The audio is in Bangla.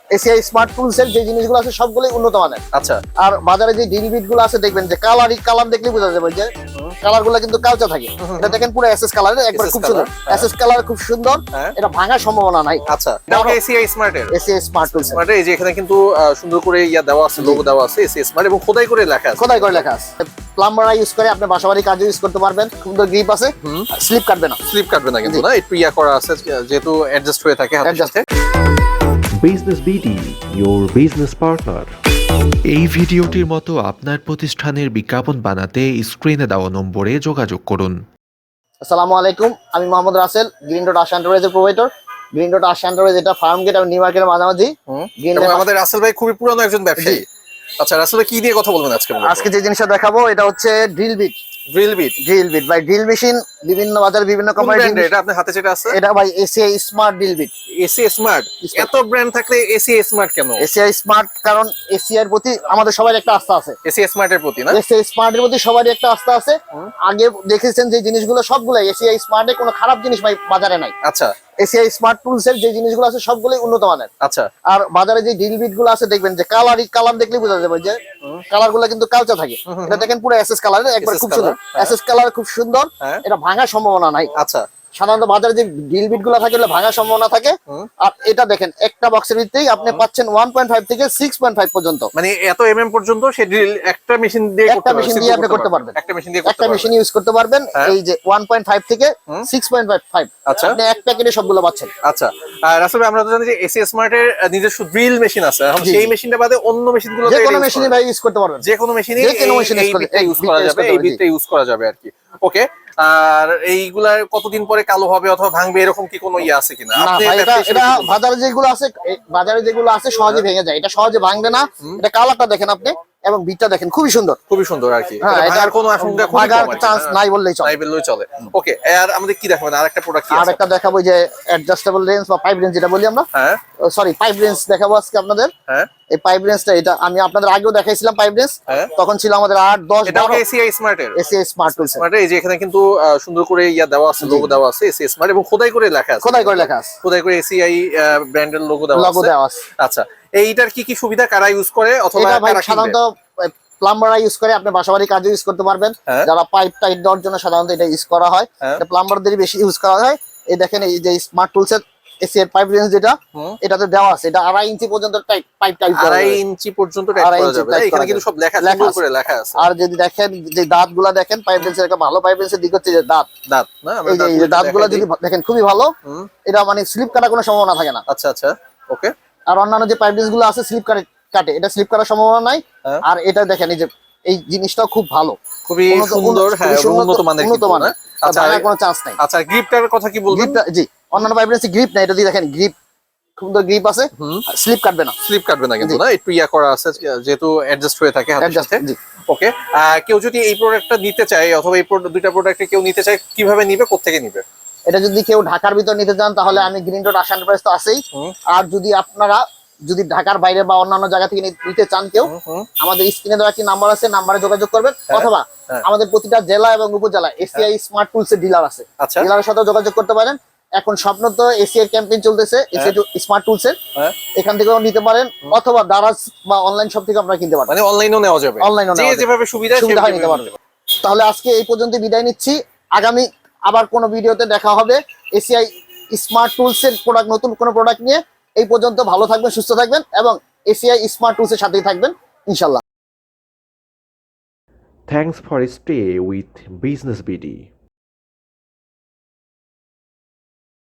এসিআই স্মার্ট টুলস এর যে জিনিসগুলো আছে সবগুলোই উন্নত মানের। আচ্ছা, আর বাজারে যে ড্রিল বিট গুলো আছে দেখবেন যে কালার দেখলে বোঝা যাবে যে কালার গুলো কিন্তু কালচা থাকে। এটা দেখেন পুরো এসএস কালার, একবার খুব সুন্দর এসএস কালার, খুব সুন্দর। এটা ভাঙার সম্ভাবনা নাই। আচ্ছা, এটা এসিআই স্মার্ট এর এসিআই স্মার্ট টুলস স্মার্ট এই যে এখানে কিন্তু সুন্দর করে দেওয়া আছে, লোগো দেওয়া আছে এসিআই স্মার্ট এবং খোদাই করে লেখা আছে। খোদাই করে লেখা আছে। প্লাম্বাররা ইউজ করে, আপনি বাসাবাড়ি কাজে ইউজ করতে পারবেন। সুন্দর গ্রিপ আছে, স্লিপ কাটবে না। স্লিপ কাটবে না কিন্তু, না একটু করা আছে যেহেতু অ্যাডজাস্ট হয়ে থাকে হাতের সাথে। Business BD, your business partner। এই ভিডিওটির মতো আপনার প্রতিষ্ঠানের বিজ্ঞাপন বানাতে স্ক্রিনে দেওয়া নম্বরে যোগাযোগ করুন। আসসালামু আলাইকুম, আমি মোহাম্মদ রাসেল, গ্রিন ডট আশা এন্টারপ্রাইজের provider. Green dot Asha enterprise এটা ফার্ম গেট আর নিউ মার্কেটের মাঝামাঝি। আমাদের রাসেল ভাই খুবই পুরানো একজন ব্যবসায়ী। আচ্ছা, রাসেল ভাই কি দিয়ে কথা বলবেন আজকে? আজকে যে জিনিসটা দেখাবো এটা হচ্ছে ড্রিল বিট। ড্রিল বিট ভাই, ড্রিল মেশিন বিভিন্ন বাজারে বিভিন্ন কোম্পানি। এটা আপনার হাতে যেটা আছে এটা ভাই ACI smart drill bit. ACI smart, এত ব্র্যান্ড থাকলে এসিআই স্মার্ট কেন? এসিআই স্মার্ট কারণ এসিআই এর প্রতি আমাদের সবার একটা আস্থা আছে। এসিআই স্মার্ট এর প্রতি না, এসিআই স্মার্ট এর প্রতি সবারই একটা আস্থা আছে। আগে দেখেছেন যে জিনিসগুলো সবগুলো এসিআই স্মার্ট এ কোনো খারাপ জিনিস ভাই বাজারে নাই। আচ্ছা, এসিআই স্মার্ট টুলস এর যে জিনিসগুলো আছে সবগুলোই উন্নত মানের। আচ্ছা, আর বাজারে যে ড্রিল বিট গুলো আছে দেখবেন যে কালার দেখলে বোঝা যাবে যে কালার গুলো কিন্তু কালচা থাকে। এটা দেখেন পুরো এসএস কালার, একবার খুব সুন্দর এসএস কালার, খুব সুন্দর। এটা ভাঙার সম্ভাবনা নাই। আচ্ছা, সাধারণত বাজারে যে ড্রিল বিট গুলো থাকে এগুলো ভাঙার সম্ভাবনা থাকে। আর এটা দেখেন একটা বক্সের ভিতরেই আপনি পাচ্ছেন 1.5 থেকে 6.5 পর্যন্ত, মানে এত এমএম পর্যন্ত সে ড্রিল একটা মেশিন দিয়ে আপনি করতে পারবেন। একটা মেশিন ইউজ করতে পারবেন। এই যে 1.5 থেকে 6.5 আচ্ছা, আপনি এক প্যাকেটে সবগুলো পাচ্ছেন। আচ্ছা, আর আসলে আমরা তো জানি যে এসিআই স্মার্ট এর নিজস্ব ড্রিল মেশিন আছে। এখন সেই মেশিনটা বাদে অন্য মেশিনগুলো যে কোনো মেশিনে ভাই ইউজ করতে পারবেন। যে কোনো মেশিনে ইউজ করা যাবে, এই বিটটা ইউজ করা যাবে আর কি। ওকে, আর এইগুলার কতদিন পরে কালো হবে অথবা ভাঙবে এরকম কি কোনো আছে কিনা? এটা বাজারে যেগুলো আছে সহজে ভেঙে যায়, এটা সহজে ভাঙবে না। এটা কালারটা দেখেন আপনি এবং বিটটা দেখেন, খুবই সুন্দর আর কি। ভাঙার কোনো আশঙ্কা চান্স নাই বললেই চলে। ওকে, আর আমাদের কি দেখাবেন? আরেকটা প্রোডাক্ট আরেকটা দেখাবো যে অ্যাডজাস্টেবল রেঞ্জ বা পাইপ রেঞ্জ যেটা বলি আমরা। সরি, পাইপ রেঞ্জ দেখাবো আজকে আপনাদের। এই পাইপ রেঞ্জটা এটা আমি আপনাদের আগেও দেখাইছিলাম। পাইপ রেঞ্জ তখন ছিল আমাদের 8, 10, 12। এসিআই স্মার্ট এর এসিআই স্মার্ট টুলস এই যে এখানে কিন্তু সুন্দর করে দেওয়া আছে, লোগো দেওয়া আছে এসিআই স্মার্ট এবং খোদাই করে লেখা আছে। খোদাই করে এসিআই ব্র্যান্ডের লোগো দেওয়া আছে। আচ্ছা, এইটার কি কি সুবিধা, কারা ইউজ করে অথবা কারা সাধারণত প্লাম্বাররা ইউজ করে, আপনি বাসাবাড়ি কাজে ইউজ করতে পারবেন। যারা পাইপ টাইট দেওয়ার জন্য সাধারণত এটা ইউজ করা হয়, এটা প্লাম্বারদেরই বেশি ইউজ করা হয়। এই দেখেন এই যে স্মার্ট টুলস এর এসি এর পাইপ রেঞ্জ যেটা এটাতে দেওয়া আছে, এটা 2.5 ইঞ্চি পর্যন্ত পাইপ টাইপ করা যাবে। 2.5 ইঞ্চি পর্যন্ত টাইপ করা যাবে। এখানে কিন্তু সব লেখা করে লেখা আছে। আর যদি দেখেন যে দাঁতগুলো দেখেন, পাইপ রেঞ্জের একটা ভালো পাইপ রেঞ্জের দিক হচ্ছে যে দাঁত না, এই যে দাঁতগুলো যদি দেখেন খুবই ভালো। এটা মানে স্লিপ কাটার কোনো সম্ভাবনা থাকে না। আচ্ছা, আচ্ছা, ওকে। আর অন্যান্য যে পাইপ রেঞ্জ গুলো আছে স্লিপ কাটে, এটা স্লিপ করার সম্ভাবনা নাই। আর এটা দেখেন এই যে এই জিনিসটাও খুব ভালো, খুবই সুন্দর, উন্নত মানের। আচ্ছা, কোনো চান্স নাই। আচ্ছা, গ্রিপটার কথা কি বলবেন? জি, অন্যান্য পাইপ রেঞ্জে গ্রিপ নাই, এটা দিয়ে দেখেন গ্রিপ, সুন্দর গ্রিপ আছে, স্লিপ কাটবে না কিন্তু, না একটু করা আছে যেহেতু অ্যাডজাস্ট হয়ে থাকে হাতের সাথে। ওকে, কেউ যদি এই প্রোডাক্টটা নিতে চায় অথবা এই দুইটা প্রোডাক্টে কেউ নিতে চায়, কিভাবে নিবে, কোত্থেকে নিবে? এটা যদি কেউ ঢাকার ভিতর নিতে চান তাহলে আমি গ্রিন ডট আশা এন্টারপ্রাইজ তো আছেই। আর যদি আপনারা ঢাকার বাইরে বা অন্যান্য জায়গা থেকে নিতে চান কেউ, আমাদের স্ক্রিনে দেওয়া একটি নাম্বার আছে, নাম্বারে যোগাযোগ করবেন। অথবা আমাদের প্রতিটা জেলা এবং উপজেলা এসিআই স্মার্ট টুলস এর ডিলার আছে, ডিলারের সাথে যোগাযোগ করতে পারেন। এখন স্বপ্ন তো এসিআই ক্যাম্পেইন চলতেছে এসিআই স্মার্ট টুলস এর, এখান থেকেও নিতে পারেন অথবা দারাজ বা অনলাইন শপ থেকে আপনারা কিনতে পারেন। মানে অনলাইনেও নেওয়া যাবে, যেভাবে সুবিধা নিতে পারবেন। তাহলে আজকে এই পর্যন্ত বিদায় নিচ্ছি। আগামী আবার কোনো ভিডিওতে দেখা হবে এসিআই স্মার্ট টুলস এর নতুন কোনো প্রোডাক্ট নিয়ে। এই পর্যন্ত ভালো থাকবেন, সুস্থ থাকবেন এবং এসিআই স্মার্ট টুলস এর সাথেই থাকবেন ইনশাআল্লাহ। Thanks for stay with Business BD.